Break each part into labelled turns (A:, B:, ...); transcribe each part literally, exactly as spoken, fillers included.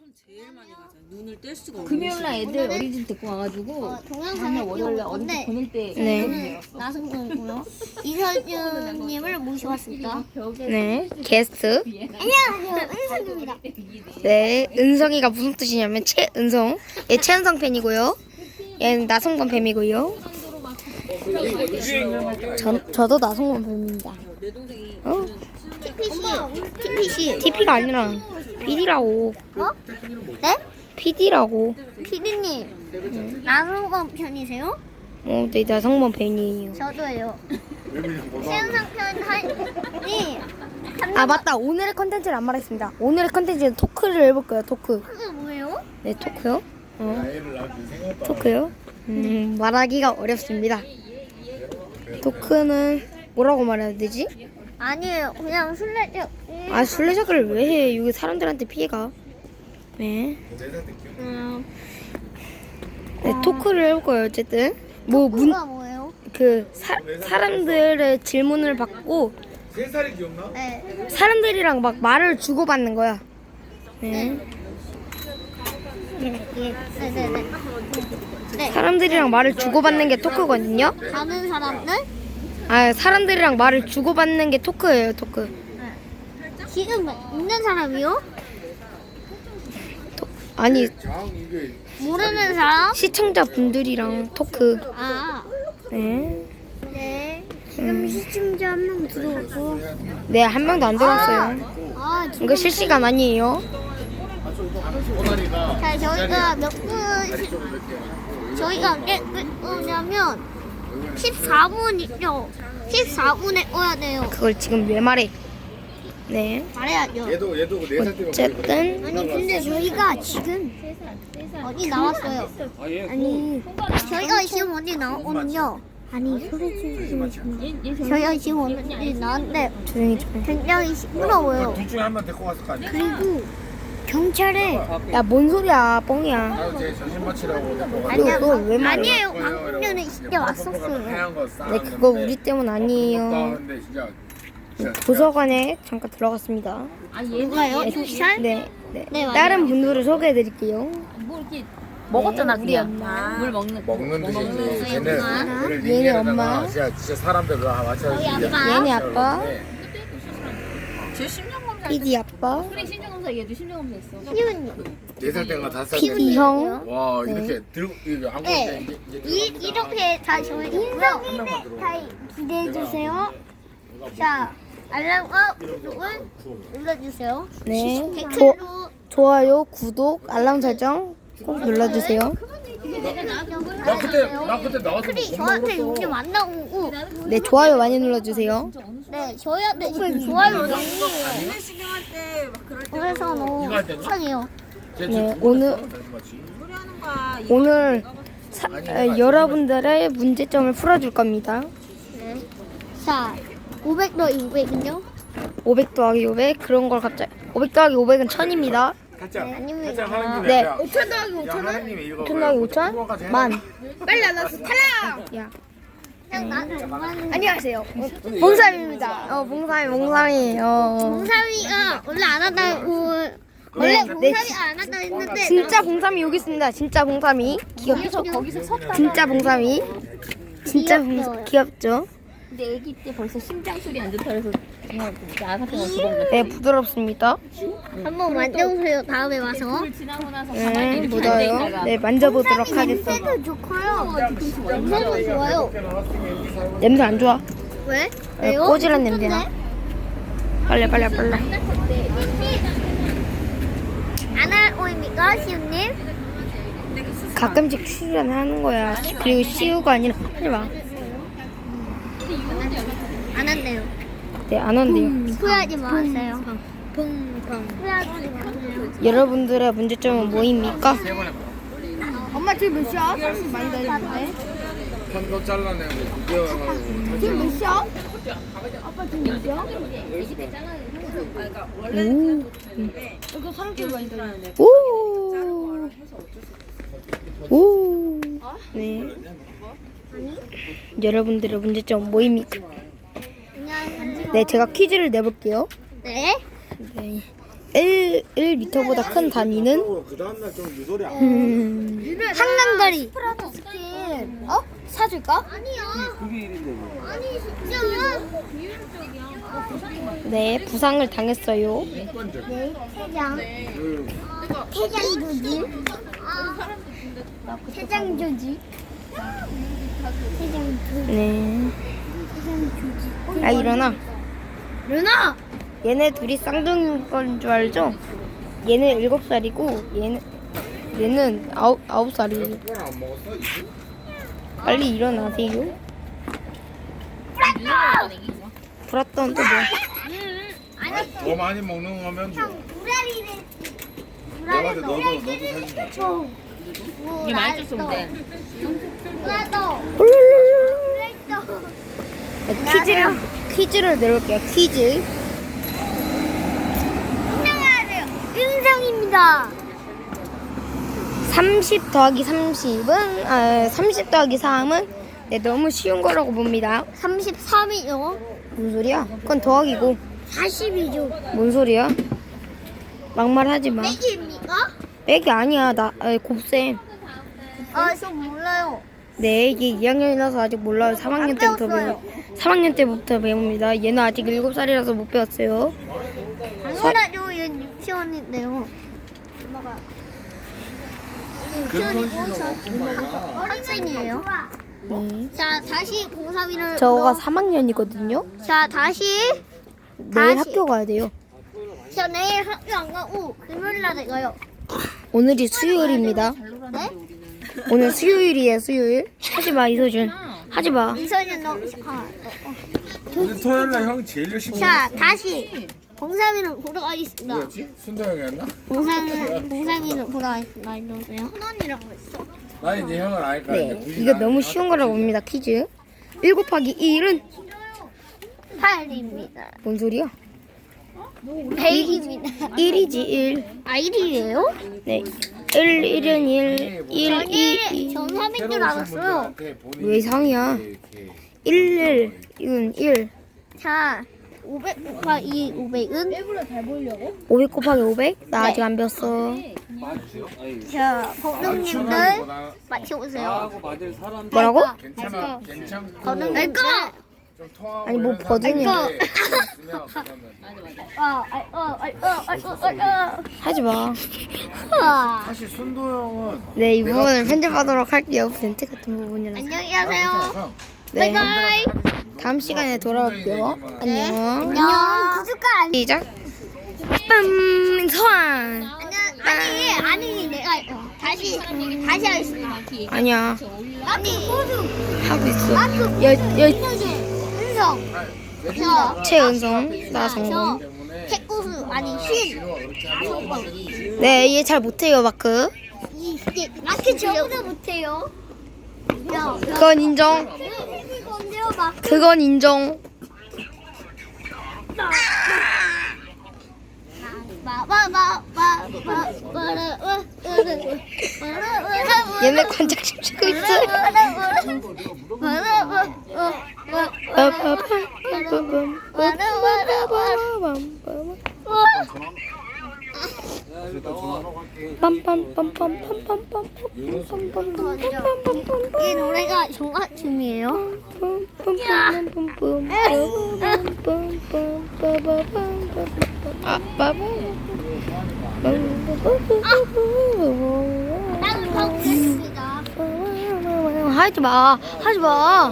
A: 제일 많이 가잖아. 눈을 뗄 수가 없는
B: 금요일날 애들 어린이집 데리고 와가지고
C: 어, 동영상을
B: 다음날 월요일날
C: 찍어볼
B: 어린이집
C: 건데
B: 보낼 때
D: 네.
C: 나성준이고요. 이서준님을 모셔왔습니다.
D: 네, 게스트.
C: 안녕하세요, 은서준입니다.
D: 네, 은성이가 무슨 뜻이냐면 최은성. 얘 최은성 팬이고요. 얘는 나성범 팬이고요. 전 저도 나성범 팬입니다.
A: 내 동생이
D: 어?
C: 티피씨, 티피씨.
D: 티피가 아니라 피디라고.
C: 어? 네?
D: 피디라고.
C: 피디님, 나성범 편이세요?
D: 어, 네, 나성범 팬이에요.
C: 저도예요. 최은상 편이
D: 아, 맞다. 오늘의 컨텐츠를 안 말했습니다. 오늘의 컨텐츠는 토크를 해볼 거예요. 토크.
C: 그게 뭐예요?
D: 네, 토크요. 어. 토크요. 음, 말하기가 어렵습니다. 토크는 뭐라고 말해야 되지?
C: 아니에요, 그냥 술래잡기.
D: 아, 술래잡기를 왜 해? 여기 사람들한테 피해가. 네.
C: 음,
D: 네, 토크를 해볼 거예요. 어쨌든 뭐 문
C: 뭐가 뭐예요?
D: 그 사람들의 질문을 받고
E: 세 살이 기억나?
C: 네.
D: 사람들이랑 막 말을 주고받는 거야. 네.
C: 네네네. 네.
D: 사람들이랑 말을 주고받는 게 토크거든요.
C: 다른 사람들?
D: 아, 사람들이랑 말을 주고받는 게 토크예요. 토크.
C: 지금 있는 사람이요?
D: 아니,
E: 장 이게
C: 모르는 사람?
D: 시청자분들이랑 토크.
C: 아,
D: 네.
C: 네. 지금 시청자 한 명 들어오고.
D: 네, 한 명도 안 들어왔어요.
C: 아, 지금
D: 이거 실시간 아니에요.
E: 오다리가
C: 자, 저희가 몇 분, 저희가 몇 분이냐면 십사 분이죠. 십사 분에 꺼야 돼요.
D: 그걸 지금 왜 말해? 네.
C: 말해야죠.
E: 얘도 얘도 네살 때만
D: 어쨌든
C: 아니, 근데 저희가 지금 어디 나왔어요? 아니, 저희가 지금 어디 나왔거든요. 아니, 소리 지르지 저희가 지금 어디 나왔는데
D: 조용히 좀 해.
C: 굉장히 시끄러워요.
E: 둘 중에 한 명 데리고 갔을 거 아니야?
C: 그리고 경찰에
D: 야, 뭔 소리야, 뻥이야.
E: 나도 제 정신 맞추라고 데리고 갔어.
C: 아니야,
D: 그거 왜 말해?
C: 아니에요. 방금 전에 진짜 왔었어요.
E: 하얀 거 싸.
D: 네, 그거 우리 때문 아니에요.
E: 근데 진짜 진짜
D: 도서관에 잠깐 들어갔습니다.
C: 누가요? 경찰?
D: 네, 네.
C: 네, 맞아요.
D: 다른 분들을 소개해드릴게요.
B: 뭐 이렇게 먹었잖아
D: 우리
B: 그냥
D: 엄마.
B: 물 먹는
E: 먹는 듯이 이제
C: 엄마.
E: 쟤네
D: 얘네 엄마.
E: 진짜 진짜 사람들 다 맞춰서
C: 저희
E: 이제
C: 아빠.
D: 얘네 아빠,
B: 제 심장검사
D: 피디 아빠,
B: 그래 심장검사 얘도 심장검사 했어
C: 희훈님.
E: 네살 때인가 다섯 살
D: 피디
E: 때인가
D: 형.
E: 와
D: 네.
E: 이렇게 들고 이거 안고
C: 네.
E: 이제 이제
C: 이, 이렇게 다 저희 인성이네. 다 기대해 주세요. 자, 알람과 구독을 눌러주세요.
D: 네. 조,
C: 댓글로
D: 좋아요, 구독, 알람 설정 꼭 눌러주세요.
E: 나 그때 나 그때 나와서
C: 댓글이 저한테 요즘 안 나오고,
D: 네, 좋아요 많이 눌러주세요.
C: 네, 저희한테 지금 좋아요 너무
A: 신경할 때 막 그럴 때
C: 그래서 너무
E: 이거 할 때는?
C: 속상해요.
D: 네, 오늘
A: 소리 하는 거야.
D: 오늘 사, 아, 여러분들의 문제점을 풀어줄 겁니다.
C: 네. 자, 오백 더하기 오백은요?
D: 오백 더하기 오백 그런 걸 갑자기 오백 더하기 오백은 천입니다.
E: 살짝
C: 아닙니다.
E: 살짝 하나님이
D: 네.
E: 야,
C: 오천 더하기
E: 야,
C: 오천은?
E: 하나님이 이거
D: 오천 더하기
E: 뭐야,
D: 오천?
E: 그거까지 해라.
D: 만.
C: 빨리 안 왔어. 탈락!
D: 야.
C: 그냥 나는 엄마는
D: 안녕하세요. 봉삼입니다. 어, 봉삼이, 봉삼이. 어.
C: 봉삼이가 원래 안 한다고 원래
D: 네,
C: 봉삼이가 안 한다고 했는데
D: 진짜 봉삼이 여기 있습니다. 진짜 봉삼이. 귀엽죠?
B: 거기서 섰다가
D: 진짜 봉삼이. 진짜 봉삼 귀엽죠?
B: 근데 애기 때 벌써 심장 소리 안 좋다 그래서 그냥 나 같은 거 집어먹었어
D: 네, 부드럽습니다.
C: 한번 만져보세요. 다음에 와서.
B: 물 지나고 나서
D: 네,
B: 가만히 이렇게
D: 묻어요.
B: 앉아있다가
D: 네, 만져보도록 하겠습니다.
C: 냄새도 좋고요. 냄새도 좋아요.
D: 냄새 안 좋아.
C: 왜?
D: 네,
C: 왜요?
D: 꼬질한 냄새나. 빨리, 빨리, 빨리.
C: 안 할 오입니까, 시우님?
D: 가끔씩 출연하는 거야. 그리고 시우가 아니라 하지 마.
C: 안 한대요.
D: 네, 안 한대요.
C: 후회하지 마세요. 후회하지 마세요.
D: 여러분들의 문제점은 뭐입니까?
C: 엄마 지금 몇 시야? 사실 많이 다녔는데.
E: 편도 잘라내고 구겨가지고
C: 지금 몇 시야?
D: 오. 오. 오. 네. 여러분들의 문제점은 뭐입니까?
C: 안녕하세요.
D: 네, 제가 퀴즈를 내볼게요.
C: 네.
D: 네. 일, 일 미터보다 큰 단위는
E: 그 다음날 좀 유도리야.
D: 음,
C: 한강다리.
B: 프라다 스킨 어? 사줄까?
E: 그게 일인데 뭐.
C: 아니 진짜.
D: 네 부상을 당했어요.
E: 인권적.
C: 네, 세장.
E: 그
C: 태장 조지. 태장 조지. 태장 조지.
D: 네.
C: 태장 조지.
D: 아 일어나.
C: 루나.
D: 얘네 둘이 쌍둥이인 건 줄 알죠? 얘는 일곱 살이고 얘는 얘는 아홉 아홉 살이에요.
E: 그건 안 먹었어? 이거?
D: 빨리 일어나세요. 불었던 또 뭐?
E: 더 많이 먹는 거면 뭐.
C: 무라리를.
E: 내가 너도 너도 사진 찍자.
B: 이게 많이 줬으면 돼.
C: 나도.
D: 퀴즈를 퀴즈를 내볼게요. 퀴즈.
C: 안녕하세요. 윤성입니다.
D: 삼십 더하기 삼십은 아 삼십 더하기 삼은 네, 너무 쉬운 거라고 봅니다.
C: 삼십삼이요.
D: 뭔 소리야? 그건 더하기고.
C: 사십이죠.
D: 뭔 소리야? 막말하지 마.
C: 빼기입니까?
D: 빼기 아니야. 나 아, 곱셈.
C: 아, 저 몰라요.
D: 네, 이게 이 학년이라서 아직 몰라요. 삼 학년 때부터 배우. 삼 학년 때부터 배웁니다. 얘는 아직 일곱 살이라서 못 배웠어요.
C: 당연하죠. 얘는 유치원인데요. 학생이에요.
D: 네.
C: 자, 다시 공삼이를.
D: 저가 삼 학년이거든요.
C: 자, 다시.
D: 내일
C: 다시.
D: 학교 가야 돼요.
C: 저 내일 학교 안 가고 금요일날 가요.
D: 오늘이 수요일입니다.
C: 네?
D: 오늘 수요일이에요, 수요일. 하지 마, 이소준. 하지 마.
C: 이선이 너. 아,
E: 오늘 토요일날 형 제일 열심히
C: 자, 다시. 공삼이를 보러 가겠습니다.
E: 뭐였지? 순도 형이었나?
C: 공삼이, 공삼이를 보러 가겠습니다. 이러세요. hun원이라고 했어.
E: 나 이제 형을 아니까
D: 네, 이거 너무 쉬운 거라고 봅니다, 퀴즈. 일 곱하기 일은
C: 팔입니다.
D: 뭔 소리야?
C: 백입니다.
D: 일이지, 일.
C: 아, 일이에요?
D: 네. 일, 일은 일, 일, 이, 이.
C: 전 삼인 줄 알았어요.
D: 왜 상이야? 일, 일, 이건 일.
C: 자, 오백 곱하기 오백은?
D: 오백 곱하기 오백? 나 아직 안 배웠어.
C: 자, 법령님들 맞춰보세요.
D: 뭐라고?
E: 괜찮아 괜찮고
C: 저는 내거!
E: 좀 통하고
D: 아니, 뭐
E: 이런
D: 버전이야.
E: 사람들이 있으면 그러면
C: 아, 아, 아, 아, 아, 아,
D: 하지 마.
C: 아.
E: 사실 순도 형은
D: 네, 이 부분을 편집하도록 할게요. 벤트 같은 부분이라서.
C: 안녕히 가세요.
D: 네.
C: 바이바이.
D: 다음 시간에 돌아올게요. 안녕.
C: 안녕. 구독과
D: 시작. 빰, 소환.
C: 아니, 아니, 내가 어, 다시, 다시 하겠습니다.
D: 아니야.
C: 아니, 호수,
D: 하고 있어. 여, 여,
C: 은성, 저,
D: 최은성, 나
C: 저,
D: 성공.
C: 태구수, 아니, 신, 다섯 번.
D: 네, 얘 잘 못해요, 마크.
C: 이, 이게 마크 저보다 못해요. 야,
D: 그건 인정.
C: 언제요, 마크?
D: 그건 인정. 얘네 관짝심 치고 있어.
C: 이 노래가 종합춤이에요. 나는 가보겠습니다.
D: 하지 마, 하지 마.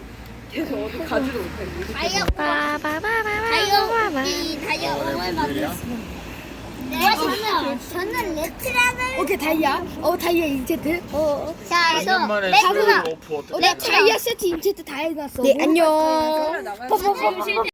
C: 다이어, 다이어, 이 다이어 오늘 만들었습니다. 네, 저는, 저는 레트라는.
B: 오케이 다이아. 어 다이아 인체트. 어.
C: 자, 저
E: 만에
C: 레트라.
E: 오프 어때?
B: 어, 나 다이아 세트 인체트 다 해놨어.
D: 네, 안녕.